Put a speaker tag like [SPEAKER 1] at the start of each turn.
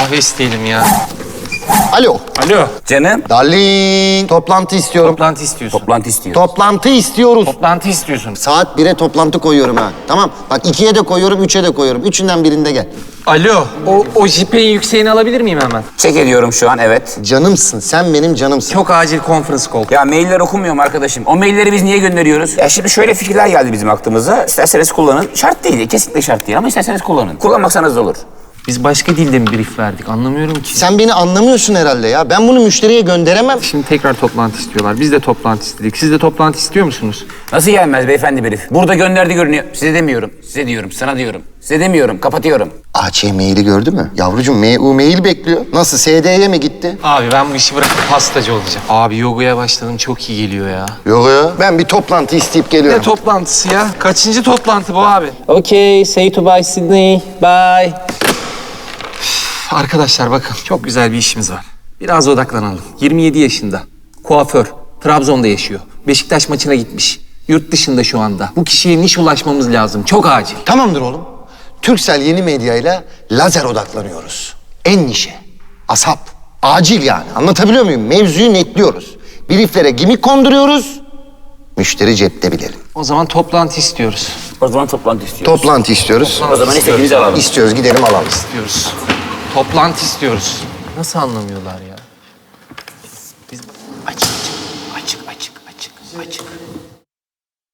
[SPEAKER 1] kahve isteyelim ya.
[SPEAKER 2] Alo.
[SPEAKER 1] Alo.
[SPEAKER 3] Canım.
[SPEAKER 2] Darling. Toplantı istiyorum.
[SPEAKER 1] Toplantı istiyorsun.
[SPEAKER 3] Toplantı istiyorum.
[SPEAKER 2] Toplantı istiyoruz.
[SPEAKER 1] Toplantı istiyorsun.
[SPEAKER 2] Saat 1'e toplantı koyuyorum ha. Tamam. Bak 2'ye de koyuyorum, 3'e de koyuyorum. Üçünden birinde gel.
[SPEAKER 1] Alo. O jipeğin yükseğini alabilir miyim hemen?
[SPEAKER 3] Çek ediyorum şu an, evet.
[SPEAKER 2] Canımsın. Sen benim canımsın.
[SPEAKER 1] Çok acil conference call.
[SPEAKER 3] Ya mailler okumuyorum arkadaşım. O mailleri biz niye gönderiyoruz? Ya şimdi şöyle fikirler geldi bizim aklımıza. İsterseniz kullanın. Şart değil, kesinlikle şart değil ama isterseniz kullanın. Kullanmaksanız da olur.
[SPEAKER 1] Biz başka dilde mi brief verdik? Anlamıyorum ki.
[SPEAKER 2] Sen beni anlamıyorsun herhalde ya. Ben bunu müşteriye gönderemem.
[SPEAKER 1] Şimdi tekrar toplantı istiyorlar. Biz de toplantı istedik. Siz de toplantı istiyor musunuz?
[SPEAKER 3] Nasıl gelmez beyefendi brief? Burada gönderdi görünüyor. Size demiyorum, size diyorum, sana diyorum. Size demiyorum, kapatıyorum.
[SPEAKER 2] AC maili gördü mü? Yavrucuğum MU mail bekliyor. Nasıl SD'ye mi gitti?
[SPEAKER 1] Abi ben bu işi bırakıp pastacı olacağım. Abi yogaya başladım. Çok iyi geliyor ya.
[SPEAKER 2] Yok ya. Ben bir toplantı isteyip geliyorum.
[SPEAKER 1] Ne toplantısı ya? Kaçıncı toplantı bu abi?
[SPEAKER 4] Okay, say to bye Sydney. Bye.
[SPEAKER 1] Arkadaşlar bakın çok güzel bir işimiz var. Biraz odaklanalım. 27 yaşında. Kuaför. Trabzon'da yaşıyor. Beşiktaş maçına gitmiş. Yurt dışında şu anda. Bu kişiye niş ulaşmamız lazım. Çok acil.
[SPEAKER 2] Tamamdır oğlum. Turkcell yeni medyayla lazer odaklanıyoruz. En nişe. Asap. Acil yani. Anlatabiliyor muyum? Mevzuyu netliyoruz. Brieflere gimik konduruyoruz. Müşteri cepte bilelim.
[SPEAKER 1] O zaman toplantı istiyoruz.
[SPEAKER 3] O zaman toplantı istiyoruz.
[SPEAKER 2] Toplantı istiyoruz.
[SPEAKER 3] O zaman istediğinizi alalım.
[SPEAKER 2] İstiyoruz, gidelim alalım.
[SPEAKER 1] İstiyoruz. Toplantı istiyoruz. Nasıl anlamıyorlar ya? Biz... Açık, açık, açık, açık, açık.